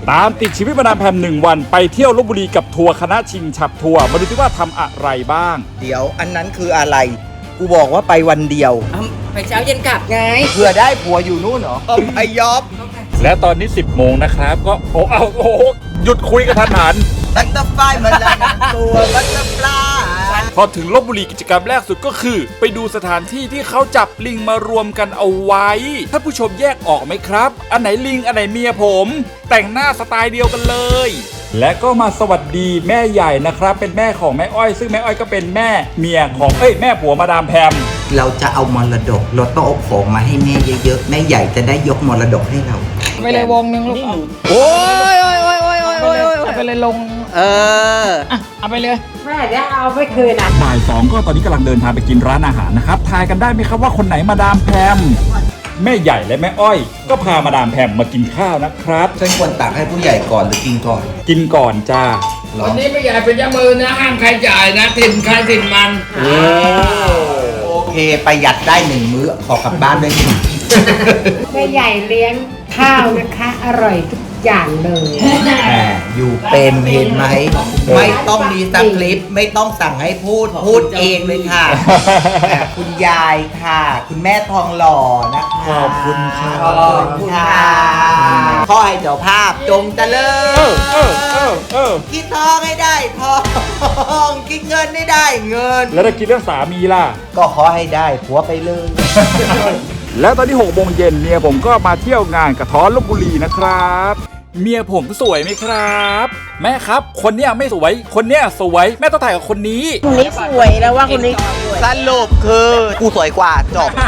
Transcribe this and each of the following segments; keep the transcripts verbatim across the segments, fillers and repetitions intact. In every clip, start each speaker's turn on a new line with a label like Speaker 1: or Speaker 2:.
Speaker 1: ตามติดชีวิตมาดามแพมหนึ่งวันไปเที่ยวลพบุรีกับทัวร์คณะชิงฉับทัวร์มาดูที่ว่าทำอะไรบ้าง
Speaker 2: เดี๋ยวอันนั้นคืออะไรกูบอกว่าไปวันเดียว
Speaker 3: ไปเช้าเย็นกลับไง
Speaker 2: เผื่อได้ผัวอยู่นู่นเหรอไอยอบ
Speaker 1: และตอนนี้สิบโมงนะครับก็โอ้เอาโอ้หยุดคุยกันทันหัน
Speaker 2: บัตเตอร์ฟลายมันละตัวบัตเตอร์ฟลาย
Speaker 1: พอถึงลพบุรีกิจกรรมแรกสุดก็คือไปดูสถานที่ที่เขาจับลิงมารวมกันเอาไว้ท่านผู้ชมแยกออกไหมครับอันไหนลิงอันไหนเมียผมแต่งหน้าสไตล์เดียวกันเลยและก็มาสวัสดีแม่ใหญ่นะครับเป็นแม่ของแม่อ้อยซึ่งแม่อ้อยก็เป็นแม่เมียของเอ้ยแม่ผัวมาดามแพม
Speaker 2: เราจะเอามรดกเราต้องเอาของมาให้แม่เยอะๆแม่ใหญ่จะได้ยกมรดกให้เรา
Speaker 3: ไปเลยวงนึงลูก
Speaker 2: โอ้ยโอ้ยโอ้ยโอ้ยโอ้ย
Speaker 3: เอาไปเลยลง
Speaker 2: เออ
Speaker 3: เอาไปเลย
Speaker 4: แม่จะเอาไม่คืนอ่ะ
Speaker 1: บ่ายสองก็ตอนนี้กำลังเดินทางไปกินร้านอาหารนะครับทายกันได้ไหมครับว่าคนไหนมาดามแพมแม่ใหญ่และแม่อ้อยก็พามาดามแพมมากินข้าวนะครับ
Speaker 2: ฉันควรตักให้ผู้ใหญ่ก่อนหรือกินก่อน
Speaker 1: กินก่อนจ้า
Speaker 3: วันนี้ไม่ใหญ่เป็นยามือนะห้ามใครจ่ายนะถิ่นใครถิ่นมัน
Speaker 2: โอเคประหยัดได้หนึ่งมื้อขอกลับบ้านด้วยนี่
Speaker 4: แม่ใหญ่เลี้ยงข้าวนะคะอร่อยทุกอย่างเลย
Speaker 2: อยู่เป็นเห็นไหมไม่ต้องมีสคริปต์ไม่ต้องสั่งให้พูดพูดเองเลยค่ะคุณยายค่ะคุณแม่ทองหล่อนะคะ
Speaker 1: ขอบคุณค่ะ
Speaker 2: ขอบคุณค่ะขอให้เจ้าภาพจงเจริญคิดทองให้ได้ทองคิดเงินให้ได้เงิน
Speaker 1: แล้วถ้าคิดเรื่องสามีล่ะ
Speaker 2: ก็ขอให้ได้ผัวไปเลย
Speaker 1: แล้วตอนที่หกโมงเย็นเมียผมก็มาเที่ยวงานกระท้อนลพบุรีนะครับเมียผมสวยไหมครับแม่ครับคนเนี้ยไม่สวยคนเนี้ยสวยแม่ต้องถ่ายกับคนนี้
Speaker 4: คนนี้สวยแล้วว่าคนนี้
Speaker 2: สรุปคือกูสวยกว่าจบ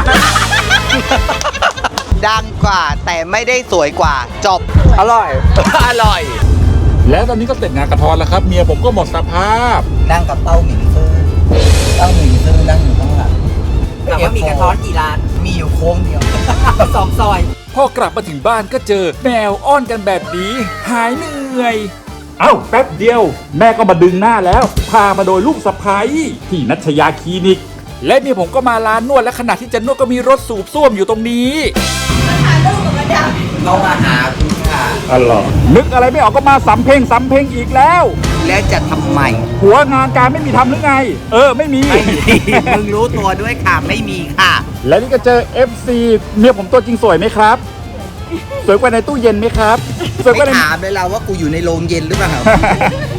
Speaker 2: ดังกว่าแต่ไม่ได้สวยกว่าจบอร่อยอร่อย
Speaker 1: แล้วตอนนี้ก็เสร็จงานกระท้อนแล้วครับเมียผมก็หมดสภาพ
Speaker 2: นั่งกับเต้าหมิงซื่อเต้าหมิงซื่อนั่งอยู่ข้างหลัง
Speaker 3: ถามว่ามีกระท้อนกี่ร้าน
Speaker 2: มีอยู่โค้งเดียว
Speaker 3: สองซอย
Speaker 1: พอกลับมาถึงบ้านก็เจอแมวอ้อนกันแบบนี้หายเหนื่อยเอ้าแป๊บเดียวแม่ก็มาดึงหน้าแล้วพามาโดยลูกสะใภ้ที่นัชยาคลินิกและเมียผมก็มาร้านนวดและขณะที่จะนวดก็มีรถสูบซ่วมอยู่ตรงนี้
Speaker 2: มาหาลูกกับมาดามเขามาหาคุณค่ะ
Speaker 1: อ๋อนึกอะไรไม่ออกก็มาสำเพ็งสำเพ็งอีกแล้ว
Speaker 2: แล้วจะทำไม
Speaker 1: หัวงานการไม่มีทำหรือไงเออไม่มี
Speaker 2: ไม่มีมึงรู้ตัวด้วยค่ะไม่มีค่ะ
Speaker 1: และนี่ก็เจอ เอฟ ซี เมียผมตัวจริงสวยไหมครับสวยกว่าในตู้เย็นไหมครับ
Speaker 2: สวยกว่าในถามเลยเราว่ากูอยู่ในโรงเย็นหรือเปล่า